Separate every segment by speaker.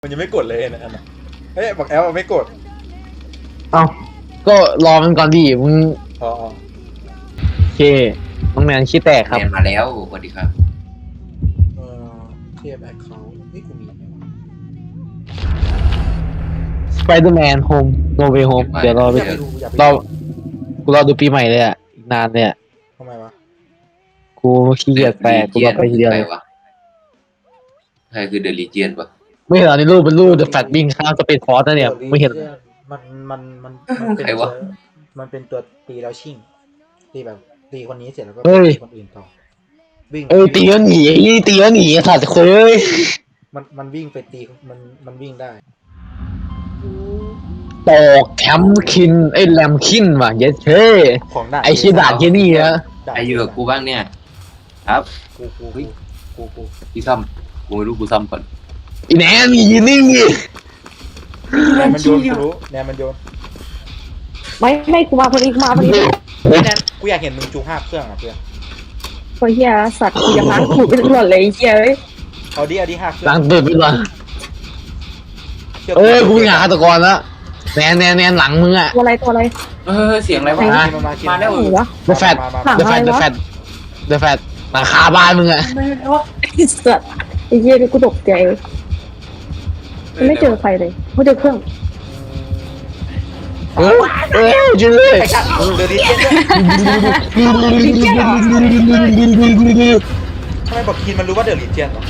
Speaker 1: มันยังไม่กดเลยนะอันน่ะเฮ้ยบอกแอลไม่กด
Speaker 2: เอ้าก็รอมันก่อนดิมึง
Speaker 1: อ๋อ
Speaker 2: โอเคน้องแมนขี้แตกครับ
Speaker 3: เรียนมาแล้วสวัสดีครับ
Speaker 1: เทียบแอคเคาท์นี่กูมีไหมวะ
Speaker 2: Spider-Man Home No Way Home เดี๋ยวรอไป
Speaker 1: อยากไปดูอยากไป
Speaker 2: รอ
Speaker 1: ดู
Speaker 2: กูรอดูปีใหม่เลยอ่ะอีกนานเนี่ย
Speaker 1: ทำไมวะ
Speaker 2: กูขี้เกียจแตกกูรอไปทีเดียว
Speaker 3: ใคร
Speaker 2: เลยว
Speaker 3: ะใครคือเดลิเจียนปะ
Speaker 2: ไม่เห็นเหรอในรูปเป็นรูป The Fat Bing ข้ามสเปนฟอร์สนะเนี่ยไม่เห็น
Speaker 1: มันเป็นมันเป็นตัวตีแล้วชิ่งตีแบบตีคนนี้เสร็จแล้วก็
Speaker 2: เฮ้ย
Speaker 1: ตีคนอื่นต่อวิ่ง
Speaker 2: ตีแล้วหนีไอ้นี่ตีแล้วหนีไอ้สัตว์เคย
Speaker 1: มันวิ่งไปตีมันวิ่งได้
Speaker 2: ตอกแคมคินไอ้แลมคินว่ะเย้เช่
Speaker 1: ของด่าน
Speaker 2: ไอ้ชี้ด่านแค่นี้นะ
Speaker 3: ใครอยู่กับกูบ้างเนี่ย ครับ
Speaker 1: กู
Speaker 3: พี่ซ้ำกูไม่รู้กูซ้ำก่อน
Speaker 2: อีแหนมยืนนิ่งดิ
Speaker 1: แนนมันโยนกูรู้แนนมันโยน
Speaker 4: ไม่กูมาพอดีกูมาพอดี
Speaker 1: แนนกูอยากเห็นมึงจู5เครื่องอ่ะเพื่อน
Speaker 4: ตัวเฮียสัตว์กูจะล้างขูดไปตลอดเลยไอ้เฮียเอ้ย
Speaker 1: เอาดิ5เครื่อง
Speaker 2: ล้างตัวไปก่อน
Speaker 1: ชื่
Speaker 2: กูเป็นหาฆาตกรแล้วแนนหลังมึงอ่ะ
Speaker 4: ตัวอะไร
Speaker 3: เสียงอะไรวะ
Speaker 1: มา
Speaker 3: มาแล้ว
Speaker 4: หนูวะ
Speaker 2: The Fat
Speaker 1: มา
Speaker 2: The Fat The Fat The Fat หลังคาบ้านมึงอ่ะ
Speaker 4: ไอ้สัตว์ไอ้เฮียนี่กูตกใจไม่เจอใครเลยไม่เจอเครื่อง
Speaker 2: จริงเลย
Speaker 1: ไอ้ชัดเดี๋ยวนี้ทำไมบอกคินมันรู้ว่าเดอะลีเจียนเหรอ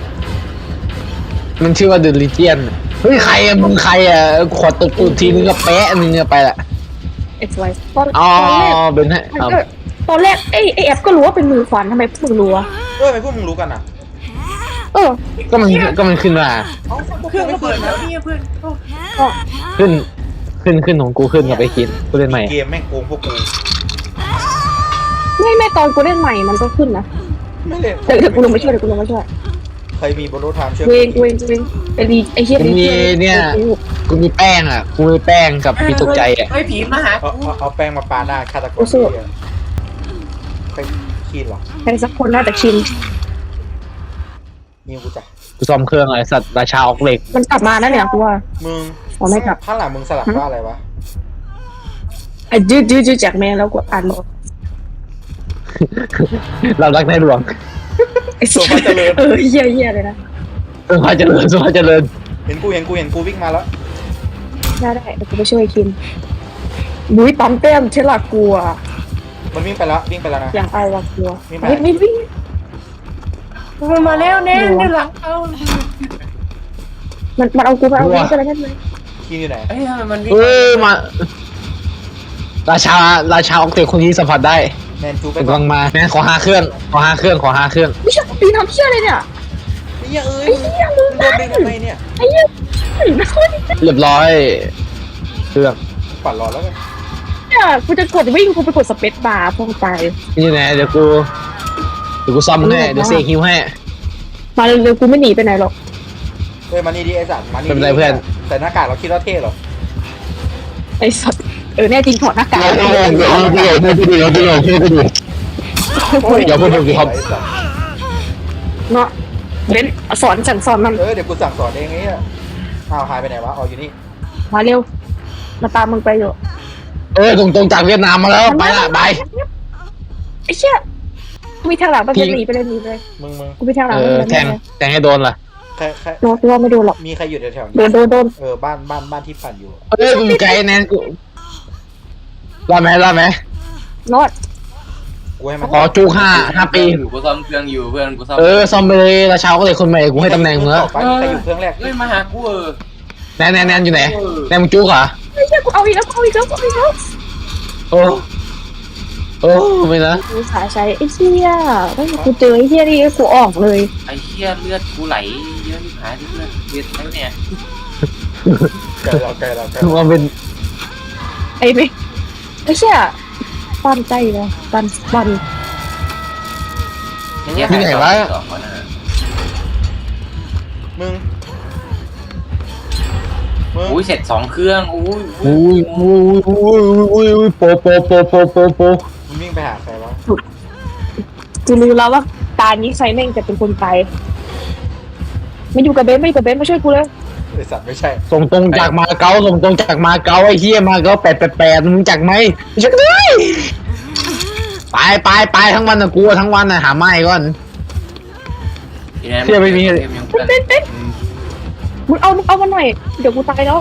Speaker 2: มันชื่อว่า The Legion เฮ้ยใครอะมึงใครอะขอตบตูดทีนึงก็แปะนึงก็ไปละ
Speaker 4: เอ็กซ์ไวตอน
Speaker 2: อ๋อ
Speaker 4: แรก
Speaker 2: เป็นให้
Speaker 4: ตอนแรกไอ้แอปก็รู้ว่าเป็นมือขวานทำไมพวกมึงรู้วะ
Speaker 1: ทำไมพวกมึงรู้กันอ่ะ
Speaker 2: ก็มันขึ้นมา
Speaker 1: เครื่องไม่เปิดนะ
Speaker 2: ขึ้นของกูขึ้นกับไอ้คิดกูเล่นใหม่
Speaker 1: เกมแม่งโกงพวกกู
Speaker 4: ไม่ตอนกูเล่นใหม่มันก็ขึ้นนะ
Speaker 1: ไม่เล่น
Speaker 4: เดี๋ยวกูลงมาช่วย
Speaker 1: เคยมีบนรถไทม์เชื่อ
Speaker 4: เวงไอ้เฮีย
Speaker 2: กูมีเนี่ยกูมีแป้งอ่ะกูมีแป้งกับมีตกใจอ่ะ
Speaker 3: เฮ้ยผีมาหา
Speaker 1: เอาแป้งมาปาหน้าฆาตกรไปคีนเหรอ
Speaker 4: ใครสักคนน่าจะชิน
Speaker 1: ยิงกูจ้ะ
Speaker 2: กูซ่อมเครื่องอะไรสัตว์ราชาออกเหล็ก
Speaker 4: มันกลับมานะเนี่ยกูว่า
Speaker 1: มึง
Speaker 4: อ๋อไม่กลับ
Speaker 1: ข้างหลังมึงสลักว่าอะไรวะ
Speaker 4: ไอ้จื้อจากแม่แล้วกูอ่านหมด
Speaker 2: เรารักในหลวง
Speaker 4: ไอ้สัสเฮียเลยนะ
Speaker 2: พาเจริญสุภาเจริญ
Speaker 1: เห็นกูวิ่งมาแล้ว
Speaker 4: ได้เดี๋ยวกูไปช่วยคิมบุ้ยปั๊มเต้มเชล่ากลัว
Speaker 1: มันวิ่งไปแล้วนะ
Speaker 4: อย่างเอาวะกลัว
Speaker 1: ไม่ไป
Speaker 4: ไม่วิ่ง
Speaker 3: มันมาแล้วแน่เดี๋ยวหลังเอา
Speaker 4: มันเอากูไปเอาวิ่งกันแล้วนั่นเลย
Speaker 1: คีนอยู่ไหน
Speaker 3: เอ้ยมันวิ่ง
Speaker 2: มาราชาออกเหล็กคนนี้สัมผัสได้
Speaker 1: แมนจูไป
Speaker 2: กำลังมาแม่ขอ5เครื่อง
Speaker 4: ไม่ใช่ปีทำเพี้ยอะไรเนี่ย
Speaker 1: ไอ้เหี้ยเอ้ยมึงโดนดึงทำไมเนี่ย
Speaker 4: ไอ้เหี้ยไม่ค่อย
Speaker 2: เรียบร้อยเครื่อง
Speaker 1: ปั่นรอแล้วกัน
Speaker 4: เนี่ยกูจะกดวิ่งกูไปกดสเปซบาร์พวกตาย
Speaker 2: นี่แน่เดี๋ยวกูซ่อมให้เดี๋ยวเซคิวให้
Speaker 4: มาเร็วๆกูไม่หนีไปไหนหรอก
Speaker 1: เฮ้ยมานี่ดิไอ้สัตว์มานี่
Speaker 2: เป็นไรเพื่อน
Speaker 1: แต่หน้ากากเราคิดว่าเท่เหรอ
Speaker 4: ไอ้สัสแน่จริงถอดหน้ากาก
Speaker 2: อย่าพูดถึงครับ
Speaker 1: ไอ้สัตว์
Speaker 4: เนาะเบนสอนสั่งสอนมัน
Speaker 1: เดี๋ยวกูสั่งสอนเองไอ้เนี่ยอ้าวหายไปไหนวะอ๋ออยู่นี่
Speaker 4: มาเร็วมาตามมึงไปอยู่
Speaker 2: ตรงจากเวียดนามมาแล้วไปละบาย
Speaker 4: ไอ้เชี่ยกูมีทางหลังไปเลยหนีไปเลย
Speaker 1: มึง
Speaker 4: กูมีทางหลัง
Speaker 2: แทงให้โดนล่ะ
Speaker 1: ใคร
Speaker 4: โดนว่าไม่โดนหรอก
Speaker 1: มีใครอยู่แถวๆนี้
Speaker 4: โดน
Speaker 1: บ้านที่ปั่นอยู่
Speaker 2: มึงไกลแน่กูรอดไหม
Speaker 4: รอด
Speaker 1: กูให้มัน
Speaker 2: ขอจู5 ปี
Speaker 3: กูซ่อมเครื่องอยู่เพื่อนกูซ่อม
Speaker 2: ซ่อมไปเลยราชาก็เลยคนใหม่กูให้ตำแหน่งมึงแล้ว
Speaker 1: ใครอยู่เครื่องแรก
Speaker 3: เฮ้ยมาหากู
Speaker 2: แนนอยู่ไหนแนนมึงจู๊กเหรอ
Speaker 4: ไอ้เชี่ยกูเอาอีกแล้ว
Speaker 2: โอ้ไม่นะ
Speaker 4: กูสาใช้ไอ้เชี่ยไม่กูเจอไอ้เชี่ยนี่กูออกเลย
Speaker 3: ไอ้เหี้ยเลือดกูไหลเยอะที่หายที่เลือดแล้วเนี่ย
Speaker 1: ไกลเรา
Speaker 2: ว่าเป็น
Speaker 4: ไอ้เชี่ยปั้นใจเลยปั้น
Speaker 1: มึง
Speaker 3: อุ้ยเสร็จ2เครื่องอุ้ย
Speaker 2: โป
Speaker 1: มึงวิ่งไปหาใครวะ
Speaker 4: กูรู้แล้วว่าตานี้ใครแม่งจะเป็นคนไปไม่อยู่กับเบนมาช่วยกูเลย
Speaker 1: ไอสัตว์ไม่ใช่
Speaker 2: ส่งตรงจากมาเก๊าส่งตรงจากมาเก๊าไอ้เหี้ยมาเก๊า888มึงจักไหมจักเลยไปทั้งวันนะกูทั้งวันนะหาไม้ก่อน
Speaker 3: ทีนั้น
Speaker 2: เชื่อไม่มี
Speaker 3: เกยังเพื่อน
Speaker 4: เป็นมึงเอามันหน่อยเดี๋ยวกูตายแล้ว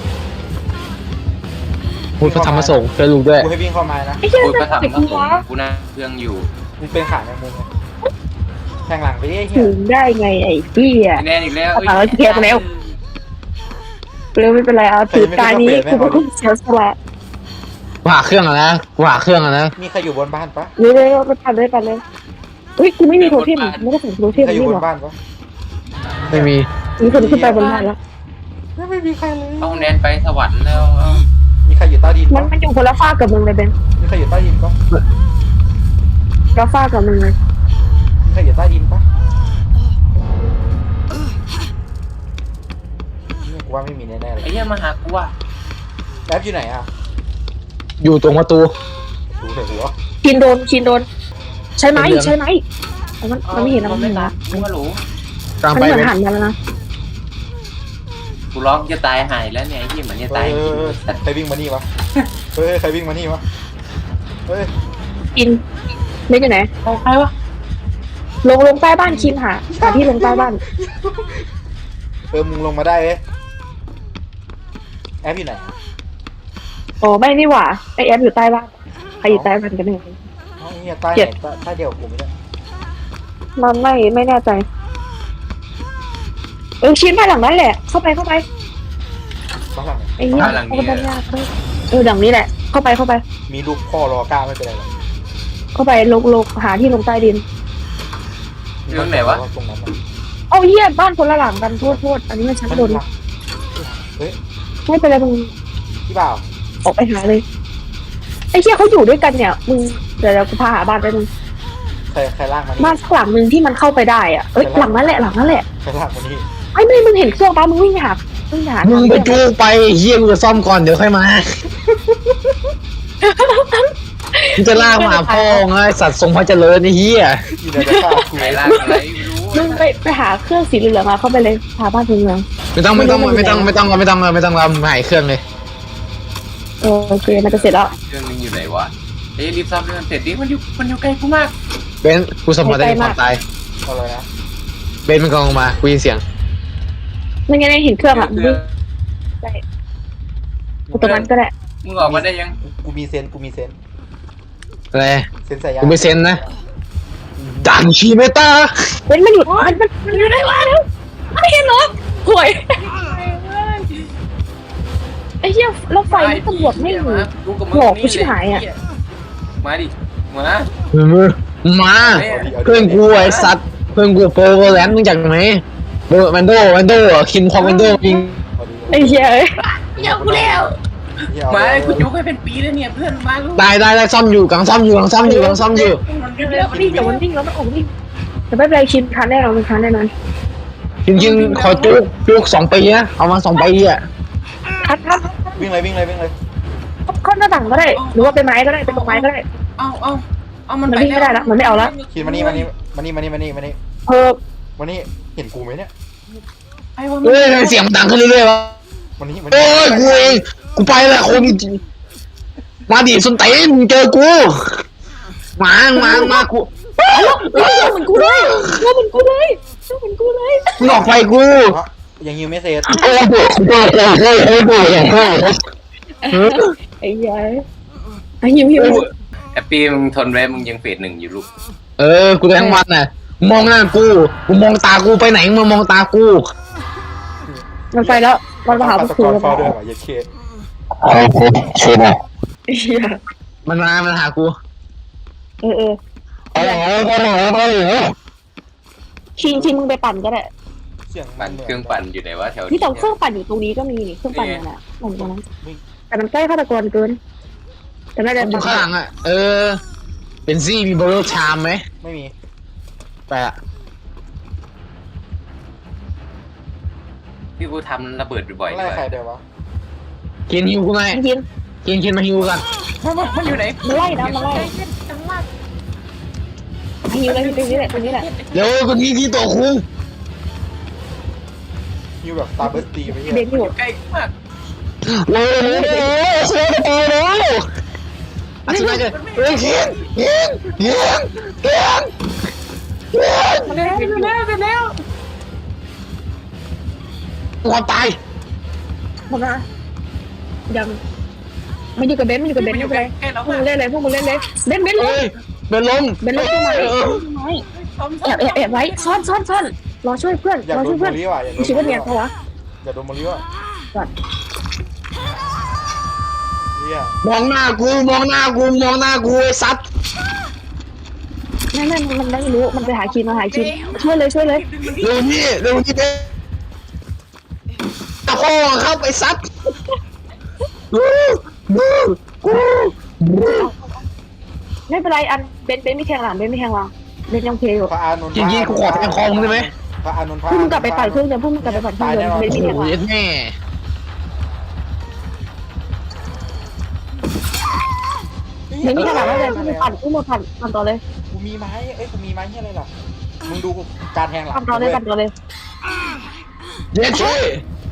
Speaker 2: พูดพระธรรมสงฆ์ช่วยลูกด้วย
Speaker 1: กูให้วิ่งเข้ามานะ
Speaker 4: ไอ้เหี้ย
Speaker 3: พูด
Speaker 4: จะ
Speaker 3: ก็ทำ
Speaker 4: เด็ก
Speaker 3: ครับ
Speaker 4: กู
Speaker 3: ผม
Speaker 4: วะ
Speaker 3: กูนั่งเครื่องอยู่
Speaker 1: มึงเป็นขาในมุมไงแทงหลังไปดิไอ้เหี้
Speaker 4: ถึ
Speaker 1: ย
Speaker 4: งได้ไงไอ้เหี้ย
Speaker 3: แน่นอีกแล้ว
Speaker 4: เอาเทียบแล้ว เร็วไม่เป็นไรเอาถือการนี้กูเป็นคนเสียสละ
Speaker 2: กูหาเครื่องอะนะกูหาเครื่องอะนะ
Speaker 1: มีใครอยู่บนบ้านปะ
Speaker 4: เร็วไปปั่นเลยอุ้ยกูไม่มีโทเทมไม่ได้ใส่โทเท
Speaker 1: มี
Speaker 4: ม
Speaker 1: ใครอยู่
Speaker 4: นี่
Speaker 1: บ
Speaker 4: หร
Speaker 1: น
Speaker 4: อ
Speaker 1: บ้านปะ
Speaker 2: ไม่มี
Speaker 4: มีคนขึ้นไปบนบ้านแล้ว
Speaker 1: ไม่มีใครเลย
Speaker 3: เอาแนนไปสวรรค์แล้วเอา
Speaker 1: มีใครอยู่ใต้ดิน
Speaker 4: มั
Speaker 1: ปะ
Speaker 4: นอยู่คนละฝ้ากับมึงเลยเบน
Speaker 1: มีใครอยู่ใต้ดินปะ
Speaker 4: ละฝ้ากับมึงเลย
Speaker 1: มีใครอยู่ใต้ดินปะเนี่ยกูว่าไม่มีแน่ๆเลย
Speaker 3: ไอ้เหี้ยมาหากูว่ะ
Speaker 1: แอปอยู่ไหนอ่ะ
Speaker 2: อยู่ตรงประตู
Speaker 1: ดูใส่หัว
Speaker 4: ชินโดนใช้ไม้มันไม่เห็นนะ
Speaker 3: มั
Speaker 4: มัน น
Speaker 3: ไม่
Speaker 4: ไม่เห็น
Speaker 3: รั
Speaker 4: นะ
Speaker 3: กกูฮัลโหล
Speaker 2: กลาง
Speaker 4: มัน
Speaker 2: ไป
Speaker 4: เหมือน
Speaker 2: เป็น
Speaker 4: หันมาแล้วนะ
Speaker 3: กูร้องจะตายหายแล้วเนี่ยไอ้เหี้ยเหมือนจะตายจริง
Speaker 1: ใครวิ่งมานี่วะเฮ้ยใครวิ่งมานี่วะเฮ้ย
Speaker 4: ชินไม่อยู่ไหน
Speaker 3: เอาใครวะ
Speaker 4: ลงใต้บ้านชินหาที่ลงใต้บ้าน
Speaker 1: มึงลงมาได้เว้ยแอปอยู่ไหน
Speaker 4: อ๋อไม่นี่หว่าไอแอฟอยู่ใต้บ้านใครอยู่ใต้บ้านกันเนี่ย
Speaker 1: อ๋อเฮียใต้ไหนใต้เดียวกับกูไม่ได้
Speaker 4: มันไม่แน่ใจชินบ้านหลังนั้นแหละเข้าไป
Speaker 1: บ้านหลังไหน
Speaker 4: ไอ้เนี่ยเข้าไปบ้านยากหลังนี้แหละเข้าไป
Speaker 1: มีลูกพ่อรอกล้าไม่เป็นไรหรอก
Speaker 4: เข้าไปลงหาที่ลงใต้ดิน
Speaker 3: เรื่องไหนวะ
Speaker 1: ตรงนั้นน่ะ
Speaker 4: เอาเหี้ยบ้านคนละหลังกันโทษอันนี้มันชั้นบน
Speaker 1: เฮ้ย
Speaker 4: ไม่เป็นไรมึง
Speaker 1: พี่บ่าว
Speaker 4: ออกไปหาเลยไอ้เหี้ยเขาอยู่ด้วยกันเนี่ยมึงเดี๋ยวกูพาหาบ้านไปมึง
Speaker 1: ใครลากมานี่
Speaker 4: บ้านสักหลังหนึ่งที่มันเข้าไปได้อ่ะหลังนั้นแหละ
Speaker 1: ใครลากมานี่
Speaker 4: ไอ้ไม่มึงเห็นเครื่องป้ามึงวิ่งไปหา
Speaker 2: มึงไปจู้ไปเฮียกูจะซ่อมก่อนเดี๋ยวค่อยมามึงจะลากมาหาพ่อไงสัตว์ทรงพระเจริญไอ้เฮีย
Speaker 1: อยู่ในตะกร้าคุย
Speaker 3: ไหนล่ะอะไรไม่รู้
Speaker 4: มึงไปหาเครื่องสีเหลืองมาเข้าไปเลยหาบ้านเมือง
Speaker 2: ไม่ต้องหายเครื่องเลย
Speaker 4: โอเคมันจะเสร็จแล้ว
Speaker 3: เครื่องนึงอยู่ไหนวะเฮ้ยรีบซ่อมเรื่องเสร็จดิมันอยู่ไกลกูมาก
Speaker 2: เบนกูสมบัติได้ความตาย
Speaker 1: เอาเลยนะ
Speaker 2: เบนมันกำลังมากูยินเสียง
Speaker 4: ไม่งั้นเห็นเครื่องอ่ะมึงได้ตรงนั้นก็ได้
Speaker 3: มึงออกมาได้ยัง
Speaker 1: กูมีเซน
Speaker 2: อะไร
Speaker 1: เซนใส่ยา
Speaker 2: กูไม่เซ็นนะดันชีเมตา
Speaker 4: มันหยุดมันอยู่ได้วะแล้วไม่เห็นเหรอห่วยไอ้เหี้ยแล้วไฟนี่ตำรวจไม่หนี
Speaker 3: กูกับมึ
Speaker 4: บอกกูชิบหายอะ
Speaker 3: มาดิมา
Speaker 2: มาเพื่อนกูไอ้สัตว์เพื่อนกูโปรแลนด์มึงจากไหนแมนโดคินพอแมนโดยิง
Speaker 4: ไอ้เหี้ย
Speaker 3: เดี๋ยวกูแล้วมากูจุกให้เป็นปีแล้วเนี่ยเพื่อนมาลูก
Speaker 2: ได้ซ่อมอยู่กำลังซ่อมอยู่
Speaker 4: เดี๋ยวมันวิ่งแต่มันวิ่งแล้วมันออกวิ่งแต่ไม่เป็นไรชินทันแน่นอนมันทันแน่นอน
Speaker 2: คินขอจุก2 ปีนะเอามา2 ปีอ่ะ
Speaker 4: ทัน
Speaker 1: วิ่งเลย
Speaker 4: เข้าหน้าต่างก็ได้หรือว่าเป็นไม้ก็ได้เป็นตรงไม้ก็ได้
Speaker 3: เอามัน
Speaker 4: มันวิ่งไม่ได้แล้วมันไม่เอาแล้ว
Speaker 1: คิดมานี่
Speaker 4: เออ
Speaker 1: มานี่เห็นกูไหมเนี่ย
Speaker 2: เฮ้ยเสียงดังขึ้นเรื่อยๆวะ
Speaker 1: มานี่
Speaker 2: โอ้ยกูเองกูไปแล้วคนมาดิส้นเต้นเจอกูมากู
Speaker 4: เหมือนกูเลยเหมือนกูเลย
Speaker 2: มึงออกไปกู
Speaker 1: ยังยิวไม่เสร็จ
Speaker 2: โอ้โห
Speaker 4: ไอ้ยัยไอ้หิว
Speaker 3: แอปปี้มึงทนไว้มึงยังเฟส1อยู่ลูก
Speaker 2: กูได้ทั้งวันน่ะมองหน้ากูมองตากูไปไหนมึงมองตากู
Speaker 4: มันไปแล้วมันมาหา
Speaker 1: ตะ
Speaker 4: ผู้
Speaker 1: ก
Speaker 4: คุ
Speaker 1: อน
Speaker 4: ย
Speaker 1: ฟอด้วยว่ะยัดเค
Speaker 4: ไอ้เหี้ย
Speaker 2: มันหากู
Speaker 4: ชิงมึงไปปั่นก็ได้
Speaker 1: เสียง
Speaker 3: ปั่นเครื่องปั่นอยู่ไหนวะแถว
Speaker 4: นี่แต่เครื่องปั่นอยู่ตรงนี้ก็มีนี่เครื่องปั่นนั่นแหละปั่นตรงนั้นแต่มันใกล้ฆาตกรเกินแต่น่าจะ
Speaker 2: อยู่ข้างหลังอ่ะเป็นซี่มีโบโลชามไหม
Speaker 1: ไม่มี
Speaker 2: ไปอ่ะ
Speaker 3: ที่กูทำระเบิดบ่อยๆ
Speaker 1: ไล่ใครเดี๋ยววะ
Speaker 2: กินฮิวกูไหม
Speaker 4: ยิง
Speaker 2: กินมาฮิวกัน
Speaker 3: มันอยู่ไหน
Speaker 4: มันไล่นะมันไล่ยิงเลยตรงนี้แหละ
Speaker 2: เดี๋ยวคนนี้ที่ตัวคุง
Speaker 1: ฮิวแบบตาเบิร์สตีไปเหี้ย
Speaker 4: เบนอยู่
Speaker 3: ใกล้มาก
Speaker 2: โอ้โหโคตรโตเลยอาทิตย์หน้าจะเฮ้ยยิง
Speaker 4: แล้ว
Speaker 2: หัวตาย
Speaker 4: หมดนะยังมันอยู่กับเบนไม่เป็นไร
Speaker 3: ใกล้แล้ว
Speaker 4: พวกมึงเล่นเลยเบนเลย
Speaker 2: เฮ้ยเป็นลม
Speaker 4: เล่นใช่ไหมแอบไว้ซ่อนรอช่วยเพื่อน
Speaker 1: อยาก
Speaker 4: รอ
Speaker 1: โด
Speaker 4: ช่วน ย
Speaker 1: โม
Speaker 4: เพื่อน
Speaker 1: ลิว่ะอยากโดน
Speaker 4: คิดว่าเนี่ยเขาวะ
Speaker 1: อยากโดนโมลิว่ะเฮีย
Speaker 2: มองหน้ากูไอ้สัตว์
Speaker 4: ไม่มันไม่รู้มันไปหาคินช่วยเลย
Speaker 2: เร็วนี่เด้ตะโคงครับไอ้สัตว์กู
Speaker 4: ไม่เป็นไรอันเบนไม่แข่งหลังเบนยังเพลอยู่
Speaker 1: พระอานนท์
Speaker 2: จริงๆกูขอแทงคอมึงได้ไหม
Speaker 1: พระอานนท์
Speaker 4: พวกมึงกลับไปปั่นเครื่องเดิมพวกมึงกลับไปปั่นเครื่องเดิมเบนไม่แข่งหลัง
Speaker 2: โอ้ยแม่
Speaker 4: เบนไม่แข่งหลังแล้วเลยปั่นพวกมึงปั่นต่อเลย
Speaker 1: กูมีไม้กูมีไม้เฮียอะไรล่ะมึงดูการแทงหลัง
Speaker 4: ปั่นต่อเลย
Speaker 2: เย็ดเช่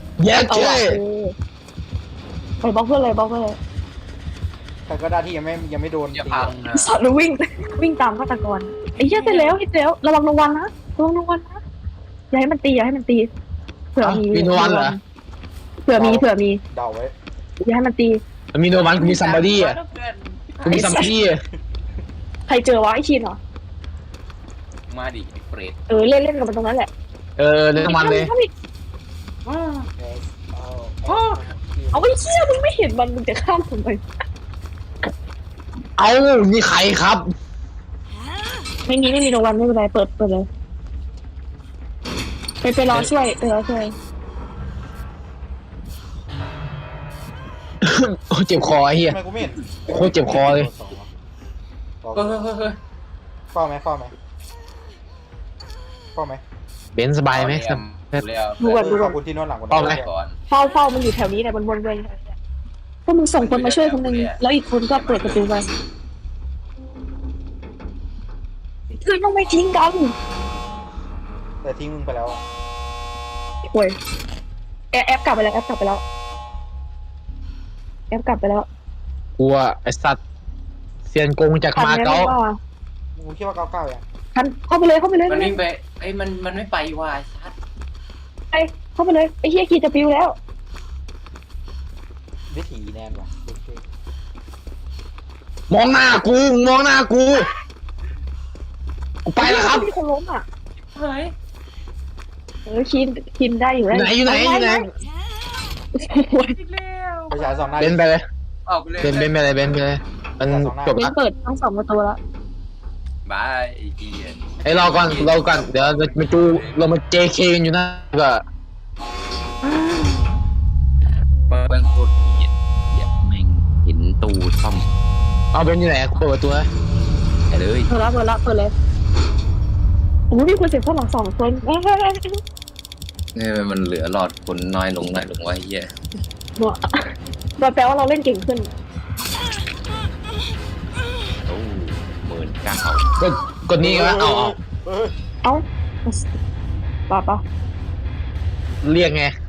Speaker 4: ไปบล็อกเพื่อนเลย
Speaker 1: แต่ก็ได้ที่ยังไม่โดน
Speaker 3: อย่า
Speaker 1: ตี
Speaker 3: พังนะ
Speaker 4: สอนวิ่งตามฆาตกรไอ้เหี้ยไปแล้วระวังรางวัลนะอย่าให้มันตีเผื่อมี
Speaker 2: มีโนวันเหรอ
Speaker 4: เผื่อมี
Speaker 1: เดาไว้
Speaker 4: อย่าให้มันตี
Speaker 2: มีโนวันกูมีซัมบาดี้อ่ะกูมีซัมบาดี้อ่ะ
Speaker 4: ใครเจอวะไอ้ชินเหรอ
Speaker 3: มาดิเปรต
Speaker 4: เล่นกับมันตรงนั้นแหละ
Speaker 2: เล่นมันเลย
Speaker 4: เอาไอ้เชี่ยมึงไม่เห็นมันมึงจะข้ามทำไม
Speaker 2: เอานี่ใครครับ
Speaker 4: ไม่มีรางวัลไม่เป็นไรเปิดเลยไปรอช่วย
Speaker 2: เจ็บคอไอ้เหี้ย
Speaker 1: ทำไมกูไม่เห็น
Speaker 2: โคตรเจ็บคอเลย
Speaker 3: เฮ้ย
Speaker 1: เฝ้าไหมเ
Speaker 2: เบนสบายไหม
Speaker 4: ดูก่อน
Speaker 1: ขอบคุณที่นวดหลัง
Speaker 3: ก่อน
Speaker 4: เฝ้ามันอยู่แถวนี้แหละบนเลยพวกมึงส่งคนมาช่วยคนนึงแล้วอีกคนก็เปิดประตูไปคือต้องไม่ทิ้งกัน
Speaker 1: แต่ทิ้งมึงไปแล้ว
Speaker 4: โอ้ยแอปกลับไปแล้ว
Speaker 2: กลัวไอ้สัตว์เซียนโกงจากมาเก๊า
Speaker 1: มึงคิดว่า99ยัง
Speaker 4: ทันเข้าไปเลย
Speaker 3: มันวิ่งไปไอ้มันไม่ไปว่ะชัด
Speaker 4: เข้าไปเลยไอ้เฮียกีจะปิวแล้ว
Speaker 1: วิถีแนนว่ะ
Speaker 2: มองหน้ากูไปแล้วครับ
Speaker 4: มีคนล้มอ่ะ
Speaker 3: เฮ้ย
Speaker 4: คินได้อยู่แล้ว
Speaker 2: อยู่ไหน
Speaker 3: อีกแล้ว
Speaker 1: ประชาสองหน้า
Speaker 2: เบนไปเลย
Speaker 3: ออกไปเลย
Speaker 2: เบนไปเลยมันจบ
Speaker 4: เป็น
Speaker 2: ละ
Speaker 4: เปิดทั้งสองประตูแล้ว
Speaker 3: บายไอ้เหี้ย
Speaker 2: ไอ้รอก่อนเดี๋ยวเรามา JK กันอยู่นะก็
Speaker 3: เบิ้งโคตรเหี้ยแม่งเห็นตู้ซ่อม
Speaker 2: เอาเบนอยู่ไหนกูเปิดประตูนะ
Speaker 3: ไปเลย
Speaker 4: เปิดเลยโอ้มีคนเจ็บข้างหลัง2 คน
Speaker 3: มันเหลือหลอดคนน้อยลงวะเหี้ย
Speaker 4: แปลว่าเราเล่นเก่งขึ้น
Speaker 3: โอ้19,000
Speaker 2: กดนี่วะเอา
Speaker 4: เอ้าป่ะ
Speaker 2: เรียกไง